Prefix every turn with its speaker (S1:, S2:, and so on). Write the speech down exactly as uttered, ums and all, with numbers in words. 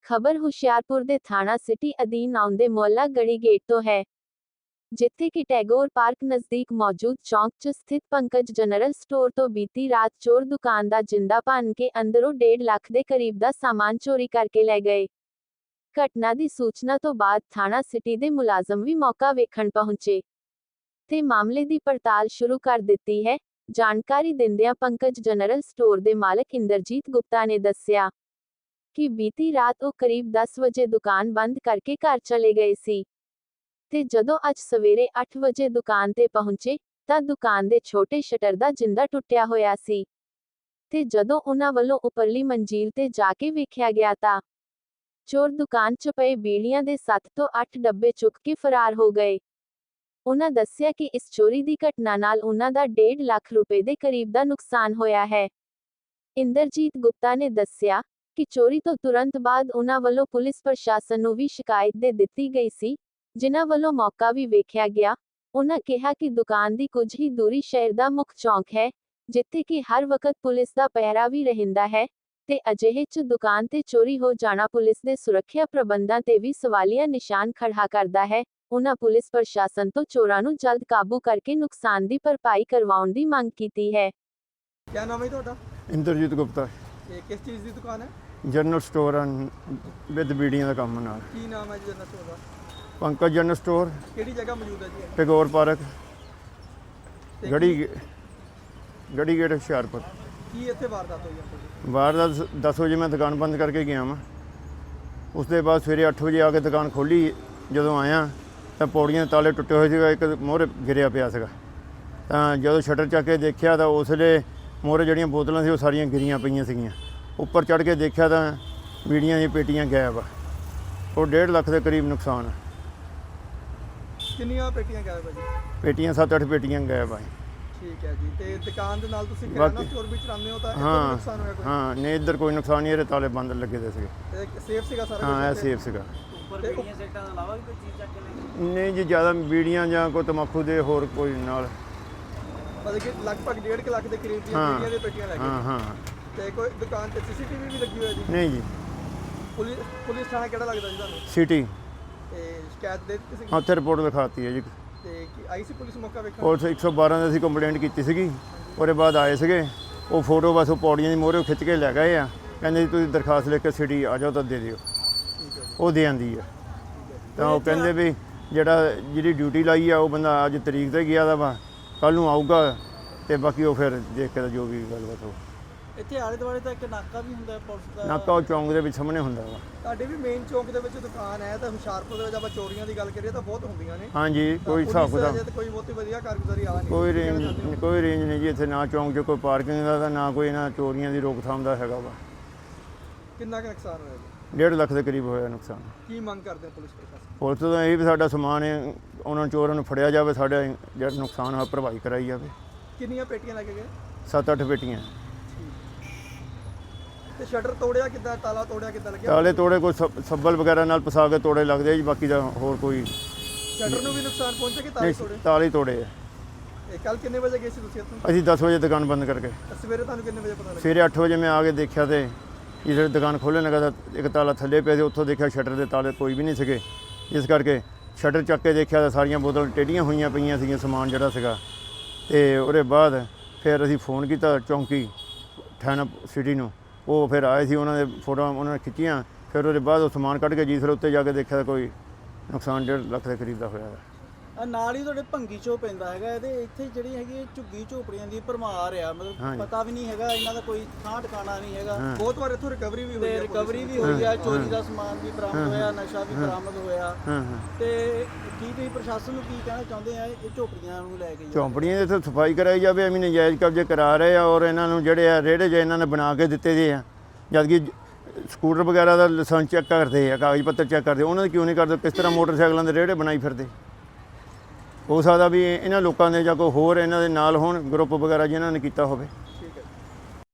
S1: ਖਬਰ ਹੁਸ਼ਿਆਰਪੁਰ ਦੇ ਥਾਣਾ ਸਿਟੀ ਅਧੀਨ ਆਉਂਦੇ ਮੁਹੱਲਾ ਗੜੀ ਗੇਟ ਤੋਂ ਹੈ, ਜਿੱਥੇ ਕਿ ਟੈਗੋਰ ਪਾਰਕ ਨਜ਼ਦੀਕ ਮੌਜੂਦ ਚੌਂਕ 'ਚ ਸਥਿਤ ਪੰਕਜ ਜਨਰਲ ਸਟੋਰ ਤੋਂ ਬੀਤੀ ਰਾਤ ਚੋਰ ਦੁਕਾਨ ਦਾ ਜਿੰਦਾ ਭੰਨ ਕੇ ਅੰਦਰੋਂ ਡੇਢ ਲੱਖ ਦੇ ਕਰੀਬ ਦਾ ਸਾਮਾਨ ਚੋਰੀ ਕਰਕੇ ਲੈ ਗਏ। ਘਟਨਾ ਦੀ ਸੂਚਨਾ ਤੋਂ ਬਾਅਦ ਥਾਣਾ ਸਿਟੀ ਦੇ ਮੁਲਾਜ਼ਮ ਵੀ ਮੌਕਾ ਵੇਖਣ ਪਹੁੰਚੇ ਤੇ ਮਾਮਲੇ ਦੀ ਪੜਤਾਲ ਸ਼ੁਰੂ ਕਰ ਦਿੱਤੀ ਹੈ। ਜਾਣਕਾਰੀ ਦਿੰਦਿਆਂ ਪੰਕਜ ਜਨਰਲ ਸਟੋਰ ਦੇ ਮਾਲਕ ਇੰਦਰਜੀਤ ਗੁਪਤਾ ਨੇ ਦੱਸਿਆ ਕਿ ਬੀਤੀ ਰਾਤ ਉਹ ਕਰੀਬ ਦਸ ਵਜੇ ਦੁਕਾਨ ਬੰਦ ਕਰਕੇ ਘਰ ਚਲੇ ਗਏ ਸੀ ਤੇ ਜਦੋਂ ਅੱਜ ਸਵੇਰੇ ਅੱਠ ਵਜੇ ਦੁਕਾਨ ਤੇ ਪਹੁੰਚੇ ਤਾਂ ਦੁਕਾਨ ਦੇ ਛੋਟੇ ਸ਼ਟਰ ਦਾ ਜਿੰਦਾ ਟੁੱਟਿਆ ਹੋਇਆ ਸੀ ਤੇ ਜਦੋਂ ਉਹਨਾਂ ਵੱਲੋਂ ਉੱਪਰਲੀ ਮੰਜ਼ਿਲ ਤੇ ਜਾ ਕੇ ਵੇਖਿਆ ਗਿਆ ਤਾਂ ਚੋਰ ਦੁਕਾਨ 'ਚ ਪਏ ਬੀੜੀਆਂ ਦੇ ਸੱਤ ਤੋਂ ਅੱਠ ਡੱਬੇ ਚੁੱਕ ਕੇ ਫਰਾਰ ਹੋ ਗਏ। ਉਹਨਾਂ ਦੱਸਿਆ ਕਿ ਇਸ ਚੋਰੀ ਦੀ ਘਟਨਾ ਨਾਲ ਉਹਨਾਂ ਦਾ ਡੇਢ ਲੱਖ ਰੁਪਏ ਦੇ ਕਰੀਬ ਦਾ ਨੁਕਸਾਨ ਹੋਇਆ ਹੈ। ਇੰਦਰਜੀਤ ਗੁਪਤਾ ਨੇ ਦੱਸਿਆ ਕਿ ਚੋਰੀ ਤੋਂ ਤੁਰੰਤ ਬਾਅਦ ਉਹਨਾਂ ਵੱਲੋਂ ਪੁਲਿਸ ਪ੍ਰਸ਼ਾਸਨ ਨੂੰ ਵੀ ਸ਼ਿਕਾਇਤ ਦੇ ਦਿੱਤੀ ਗਈ ਸੀ, ਜਿਨ੍ਹਾਂ ਵੱਲੋਂ ਮੌਕਾ ਵੀ ਵੇਖਿਆ ਗਿਆ। ਉਹਨਾਂ ਕਿਹਾ ਕਿ ਦੁਕਾਨ ਦੀ ਕੁਝ ਹੀ ਦੂਰੀ ਸ਼ਹਿਰ ਦਾ ਮੁੱਖ ਚੌਂਕ ਹੈ, ਜਿੱਥੇ ਕਿ ਹਰ ਵਕਤ ਪੁਲਿਸ ਦਾ ਪਹਿਰਾ ਵੀ ਰਹਿੰਦਾ ਹੈ ਤੇ ਅਜਿਹੇ 'ਚ ਦੁਕਾਨ ਤੇ ਚੋਰੀ ਹੋ ਜਾਣਾ ਪੁਲਿਸ ਦੇ ਸੁਰੱਖਿਆ ਪ੍ਰਬੰਧਾਂ ਤੇ ਵੀ ਸਵਾਲੀਆ ਨਿਸ਼ਾਨ ਖੜਾ ਕਰਦਾ ਹੈ। ਉਹਨਾਂ ਪੁਲਿਸ ਪ੍ਰਸ਼ਾਸਨ ਤੋਂ ਚੋਰਾਂ ਨੂੰ ਜਲਦ ਕਾਬੂ ਕਰਕੇ ਨੁਕਸਾਨ ਦੀ ਭਰਪਾਈ ਕਰਵਾਉਣ ਦੀ ਮੰਗ ਕੀਤੀ ਹੈ।
S2: क्या नाम है ਤੁਹਾਡਾ?
S3: ਇੰਦਰਜੀਤ ਗੁਪਤਾ।
S2: ਇਹ ਕਿਸ ਚੀਜ਼ ਦੀ ਦੁਕਾਨ ਹੈ?
S3: ਜਨਰਲ ਸਟੋਰ ਵਿਦ ਬੀੜੀਆਂ ਦਾ ਕੰਮ ਨਾਲ।
S2: ਕੀ ਨਾਮ ਹੈ ਜੀ ਜਨਰਲ ਸਟੋਰ ਦਾ?
S3: ਪੰਕਜ ਜਨਰਲ ਸਟੋਰ,
S2: ਕਿਹੜੀ ਜਗ੍ਹਾ ਮੌਜੂਦ ਹੈ ਜੀ?
S3: ਟੈਗੋਰ ਪਾਰਕ,
S2: ਤੇ
S3: ਗੜੀ ਗੇ- ਗੜੀ ਗੇਟ ਹੁਸ਼ਿਆਰਪੁਰ।
S2: ਕੀ ਇੱਥੇ ਵਾਰਦਾਤ ਹੋਈ ਹੈ?
S3: ਬਾਹਰ ਦਾ ਦਸ ਵਜੇ ਮੈਂ ਦੁਕਾਨ ਬੰਦ ਕਰਕੇ ਗਿਆ ਵਾਂ। ਉਸ ਦੇ ਬਾਅਦ ਸਵੇਰੇ ਅੱਠ ਵਜੇ ਆ ਕੇ ਦੁਕਾਨ ਖੋਲ੍ਹੀ। ਜਦੋਂ ਆਇਆ ਤਾਂ ਪੌੜੀਆਂ ਦੇ ਤਾਲੇ ਟੁੱਟੇ ਹੋਏ ਸੀਗਾ, ਇੱਕ ਮੋਹਰੇ ਗਿਰਿਆ ਪਿਆ ਸੀਗਾ। ਤਾਂ ਜਦੋਂ ਸ਼ਟਰ ਚੱਕ ਕੇ ਦੇਖਿਆ ਤਾਂ ਉਸ ਵੇਲੇ ਮੋਹਰੇ ਜਿਹੜੀਆਂ ਬੋਤਲਾਂ ਸੀ ਉਹ ਸਾਰੀਆਂ ਗਿਰੀਆਂ ਪਈਆਂ ਸੀਗੀਆਂ। ਉੱਪਰ ਚੜ੍ਹ ਕੇ ਦੇਖਿਆ ਤਾਂ ਬੀੜੀਆਂ ਦੀਆਂ ਪੇਟੀਆਂ ਗਾਇਬ ਆ। ਉਹ ਡੇਢ ਲੱਖ ਦੇ ਕਰੀਬ ਨੁਕਸਾਨ ਆ।
S2: ਕਿੰਨੀਆਂ ਪੇਟੀਆਂ ਗਾਇਬ ਹੈ ਜੀ?
S3: ਪੇਟੀਆਂ ਸੱਤ ਅੱਠ ਪੇਟੀਆਂ ਗਾਇਬ ਆ।
S2: ਠੀਕ ਹੈ ਜੀ। ਤੇ ਦੁਕਾਨ ਦੇ ਨਾਲ ਤੁਸੀਂ ਕਿਰਾਣਾ
S3: ਬਾਕੀ-
S2: ਸਟੋਰ ਵੀ ਚਲਾਉਂਦੇ ਹੋ ਤਾਂ ਇੱਥੇ
S3: ਹਾਂ
S2: ਨੁਕਸਾਨ ਹੋਇਆ ਕੋਈ?
S3: ਹਾਂ ਨਹੀਂ, ਇੱਧਰ ਕੋਈ ਨੁਕਸਾਨ ਨਹੀਂ, ਇਹਦੇ ਤਾਲੇ ਬੰਦ ਲੱਗੇ ਦੇ ਸੀਗੇ।
S2: ਤੇ ਸੇਫ ਸੀਗਾ ਸਾਰਾ
S3: ਹਾਂ, ਇਹ
S2: ਕੁਛ?
S3: ਸੇਫ ਸੀਗਾ।
S2: ਉੱਪਰ ਬੀੜੀਆਂ ਸੈਕਟਾਂ ਤੋਂ ਇਲਾਵਾ ਵੀ ਕੋਈ ਚੀਜ਼ ਚੱਕ ਕੇ
S3: ਨਹੀਂ ਜੀ, ਜ਼ਿਆਦਾ ਬੀੜੀਆਂ ਜਾਂ ਕੋਈ ਤੰਬਾਕੂ ਦੇ ਹੋਰ ਕੋਈ ਨਾਲ।
S2: ਮਤਲਬ ਕਿ ਲਗਭਗ ਡੇਢ ਕੁ ਲੱਖ ਦੇ ਕਰੀਬ ਦੀਆਂ
S3: ਹਾਂ।
S2: ਬੀੜੀਆਂ ਦੀਆਂ ਪੇਟੀਆਂ ਲੈ
S3: ਹਾਂ
S2: ਗਏ।
S3: ਹਾਂ
S2: ਤੇ ਕੋਈ ਦੁਕਾਨ ਤੇ ਸੀਸੀਟੀਵੀ ਵੀ ਲੱਗੀ ਹੋਈ ਹੈ ਜੀ?
S3: ਨਹੀਂ ਜੀ,
S2: ਪੁਲਿਸ ਪੁਲਿਸ ਥਾਣਾ ਕਿਹੜਾ ਲੱਗਦਾ ਜੀ ਤੁਹਾਨੂੰ?
S3: ਸਿਟੀ
S2: ਤੇ ਸ਼ਿਕਾਇਤ ਦੇ ਦਿੱਤੀ ਸੀ?
S3: ਉੱਥੇ ਰਿਪੋਰਟ ਲਿਖਾਤੀ ਹੈ ਜੀ।
S2: ਤੇ ਕੀ ਆਈ ਸੀ ਪੁਲਿਸ ਮੌਕਾ ਵੇਖਣ?
S3: ਪੁਲਿਸ ਇੱਕ ਸੌ ਬਾਰਾਂ ਦੇ ਅਸੀਂ ਕੰਪਲੇਂਟ ਕੀਤੀ ਸੀਗੀ। ਉਹਦੇ ਬਾਅਦ ਆਏ ਸੀਗੇ, ਉਹ ਫੋਟੋ ਬਸ ਉਹ ਪੌੜੀਆਂ ਦੀ ਮੋਹਰੇ ਖਿੱਚ ਕੇ ਲੈ ਗਏ ਆ। ਕਹਿੰਦੇ ਜੀ ਤੁਸੀਂ ਦਰਖਾਸਤ ਲਿਖ ਕੇ ਸਿਟੀ ਆ ਜਾਓ ਤਾਂ ਦੇ ਦਿਓ।
S2: ਠੀਕ ਹੈ ਜੀ।
S3: ਉਹ ਦੇ ਆਂਦੀ ਆ। ਤਾਂ ਉਹ ਕਹਿੰਦੇ ਵੀ ਜਿਹੜਾ ਜਿਹੜੀ ਡਿਊਟੀ ਲਾਈ ਆ ਉਹ ਬੰਦਾ ਅੱਜ ਤਰੀਕ ਤੇ ਗਿਆ ਦਾ ਵਾ, ਕੱਲ੍ਹ ਨੂੰ ਆਊਗਾ ਤੇ ਬਾਕੀ ਉਹ ਫਿਰ ਦੇਖ ਕੇ ਤਾਂ ਜੋ ਵੀ ਗੱਲਬਾਤ ਹੋ।
S2: ਇੱਥੇ ਆਲੇ ਦੁਆਲੇ ਤਾਂ ਇੱਕ ਨਾਕਾ ਵੀ ਹੁੰਦਾ ਪੁਲਿਸ ਦਾ?
S3: ਨਾਕਾ ਉਹ ਚੌਂਕ ਦੇ ਵਿੱਚ ਸਾਹਮਣੇ ਹੁੰਦਾ ਵਾ।
S2: ਤੁਹਾਡੇ ਵੀ ਮੇਨ ਚੌਂਕ ਦੇ ਵਿੱਚ ਦੁਕਾਨ ਹੈ ਤਾਂ ਹੁਸ਼ਿਆਰਪੁਰ ਦੇ ਵਿੱਚ ਆਪਾਂ ਚੋਰੀਆਂ ਦੀ ਗੱਲ ਕਰੀਏ ਤਾਂ ਬਹੁਤ ਹੁੰਦੀਆਂ ਨੇ।
S3: ਹਾਂਜੀ,
S2: ਤਾਂ
S3: ਕੋਈ ਹਿਸਾਬ
S2: ਪੁਲਿਸ
S3: ਕਿਤਾਬ
S2: ਅਜੇ ਤਾਂ ਕੋਈ ਬਹੁਤੀ ਵਧੀਆ ਕਾਰਗੁਜ਼ਾਰੀ ਆ ਨਹੀਂ।
S3: ਕੋਈ
S2: ਕੀ ਕਹਿਣਾ
S3: ਰੇਂਜ
S2: ਚਾਹੁੰਦੇ ਹੋ?
S3: ਕੋਈ ਰੇਂਜ ਨਹੀਂ ਜੀ ਇੱਥੇ, ਨਾ ਚੌਂਕ 'ਚ ਕੋਈ ਪਾਰਕਿੰਗ ਦਾ ਤਾਂ ਨਾ ਕੋਈ ਇਹਨਾਂ ਚੋਰੀਆਂ ਦੀ ਰੋਕਥਾਮ ਦਾ ਹੈਗਾ ਵਾ।
S2: ਕਿੰਨਾ ਕੁ ਨੁਕਸਾਨ ਹੋਇਆ ਜੀ?
S3: ਡੇਢ ਲੱਖ ਦੇ ਕਰੀਬ ਹੋਇਆ ਨੁਕਸਾਨ।
S2: ਕੀ ਮੰਗ ਕਰਦੇ ਹੋ ਪੁਲਿਸ ਪ੍ਰਸ਼ਾਸਨ?
S3: ਪੁਲਿਸ ਤੋਂ ਤਾਂ ਇਹ ਵੀ ਸਾਡਾ ਸਮਾਨ ਹੈ, ਉਹਨਾਂ ਚੋਰਾਂ ਨੂੰ ਫੜਿਆ ਜਾਵੇ, ਸਾਡਾ ਜਿਹੜਾ ਨੁਕਸਾਨ ਹੋਇਆ ਭਰਵਾਈ ਕਰਾਈ ਜਾਵੇ।
S2: ਕਿੰਨੀਆਂ ਪੇਟੀਆਂ ਲੈ ਕੇ ਗਏ?
S3: ਸੱਤ ਅੱਠ ਪੇਟੀਆਂ।
S2: ਤੇ ਸ਼ਟਰ ਤੋੜਿਆ ਕਿੱਦਾਂ? ਤਾਲਾ ਤੋੜਿਆ ਕਿੱਦਾਂ ਲੱਗਿਆ?
S3: ਤਾਲੇ ਤੋੜੇ ਕੋਈ ਸੱਬ- ਸੱਬਲ ਵਗੈਰਾ ਨਾਲ ਪਸਾ ਕੇ ਤੋੜੇ ਲੱਗਦੇ ਆ ਜੀ, ਬਾਕੀ ਦਾ ਹੋਰ ਕੋਈ
S2: ਸ਼ਟਰ ਨੂੰ ਵੀ ਨੁਕਸਾਨ ਪਹੁੰਚਿਆ ਕਿ ਤਾਲੇ
S3: ਨਹੀਂ।
S2: ਤੋੜੇ?
S3: ਤਾਲੇ ਤੋੜੇ ਆ।
S2: ਇਹ ਕੱਲ ਕਿੰਨੇ ਵਜੇ ਗਏ ਸੀ ਤੁਸੀਂ ਇੱਥੋਂ?
S3: ਅਸੀਂ ਦਸ ਵਜੇ ਦੁਕਾਨ ਬੰਦ ਕਰਕੇ
S2: ਤੇ ਸਵੇਰੇ ਤੁਹਾਨੂੰ ਕਿੰਨੇ ਵਜੇ ਪਤਾ ਲੱਗਿਆ?
S3: ਸਵੇਰੇ ਅੱਠ ਵਜੇ ਮੈਂ ਆ ਕੇ ਦੇਖਿਆ ਤੇ ਜਦੋਂ ਦੁਕਾਨ ਖੋਲ੍ਹਣ ਲੱਗਾ ਤਾਂ ਇੱਕ ਤਾਲਾ ਥੱਲੇ ਪਿਆ ਸੀ। ਉੱਥੋਂ ਦੇਖਿਆ ਸ਼ਟਰ ਦੇ ਤਾਲੇ ਕੋਈ ਵੀ ਨਹੀਂ ਸੀਗੇ, ਇਸ ਕਰਕੇ ਸ਼ਟਰ ਚੱਕ ਕੇ ਦੇਖਿਆ ਤਾਂ ਸਾਰੀਆਂ ਬੋਤਲਾਂ ਟੇਢੀਆਂ ਹੋਈਆਂ ਪਈਆਂ ਸੀਗੀਆਂ, ਸਮਾਨ ਜਿਹੜਾ ਸੀਗਾ। ਤੇ ਉਹਦੇ ਬਾਅਦ ਫਿਰ ਅਸੀਂ ਫੋਨ ਕੀਤਾ ਚੌਂਕੀ ਥਾਣਾ ਸਿਟੀ ਨੂੰ, ਉਹ ਫਿਰ ਆਏ ਸੀ, ਉਹਨਾਂ ਦੇ ਫੋਟੋਆਂ ਉਹਨਾਂ ਨੇ ਖਿੱਚੀਆਂ। ਫਿਰ ਉਹਦੇ ਬਾਅਦ ਉਹ ਸਮਾਨ ਕੱਢ ਕੇ ਜੀ ਫਿਰ ਉੱਤੇ ਜਾ ਕੇ ਦੇਖਿਆ ਤਾਂ ਕੋਈ ਨੁਕਸਾਨ ਡੇਢ ਲੱਖ ਦੇ ਕਰੀਬ ਦਾ ਹੋਇਆ ਹੈ।
S4: ਆ ਨਾਲ ਹੀ ਤੁਹਾਡੇ ਭੰਗੀ ਚੋ ਪੈਂਦਾ ਹੈਗਾ ਇਹਦੇ ਇੱਥੇ ਜਿਹੜੀ ਹੈਗੀ ਇਹ ਝੁੱਗੀ ਝੋਪੜੀਆਂ ਦੀ ਭਰਮਾਰ ਆ, ਮਤਲਬ
S3: ਹਾਂਜੀ।
S4: ਪਤਾ ਵੀ ਨਹੀਂ ਹੈਗਾ ਇਹਨਾਂ ਦਾ ਕੋਈ ਥਾਂ ਟਿਕਾਣਾ ਨਹੀਂ ਹੈਗਾ।
S3: ਹਾਂ।
S2: ਬਹੁਤ ਵਾਰ ਇੱਥੋਂ ਰਿਕਵਰੀ ਵੀ ਹੋਈ
S4: ਤੇ
S2: ਹੈ।
S4: ਰਿਕਵਰੀ ਵੀ ਹੋਈ ਆ, ਚੋਰੀ ਦਾ ਸਮਾਨ ਵੀ ਬਰਾਮਦ ਹੋਇਆ, ਨਸ਼ਾ ਵੀ ਬਰਾਮਦ ਹੋਇਆ।
S3: ਹਾਂ ਹਾਂ
S4: ਤੇ ਕੀ ਤੁਸੀਂ ਪ੍ਰਸ਼ਾਸਨ ਨੂੰ ਕੀ ਕਹਿਣਾ ਚਾਹੁੰਦੇ ਆ ਇਹ ਝੋਪੜੀਆਂ ਨੂੰ ਲੈ ਕੇ?
S3: ਝੌਂਪੜੀਆਂ ਦੇ ਇੱਥੇ ਸਫਾਈ ਕਰਾਈ ਜਾਵੇ, ਐਵੇਂ ਨਜਾਇਜ਼ ਕਬਜ਼ੇ ਕਰਾ ਰਹੇ ਆ। ਔਰ ਇਹਨਾਂ ਨੂੰ ਜਿਹੜੇ ਆ ਰੇੜੇ ਜੇ ਇਹਨਾਂ ਨੇ ਬਣਾ ਕੇ ਦਿੱਤੇ ਦੇ ਆ, ਜਦ ਕਿ ਸਕੂਟਰ ਵਗੈਰਾ ਦਾ ਲਾਇਸੈਂਸ ਚੈੱਕ ਕਰਦੇ ਆ, ਕਾਗਜ਼ ਪੱਤਰ ਚੈੱਕ ਕਰਦੇ, ਉਹਨਾਂ ਦੇ ਕਿਉਂ ਨਹੀਂ ਕਰਦੇ? ਕਿਸ ਤਰ੍ਹਾਂ ਮੋਟਰਸਾਈਕਲਾਂ ਦੇ ਰੇੜੇ ਬਣਾਈ ਫਿਰਦੇ? ਹੋ ਸਕਦਾ ਵੀ ਇਹਨਾਂ ਲੋਕਾਂ ਦੇ ਜਾਂ ਕੋਈ ਹੋਰ ਇਹਨਾਂ ਦੇ ਨਾਲ ਹੋਣ ਗਰੁੱਪ ਵਗੈਰਾ ਜਿਨ੍ਹਾਂ ਨੇ ਕੀਤਾ ਹੋਵੇ।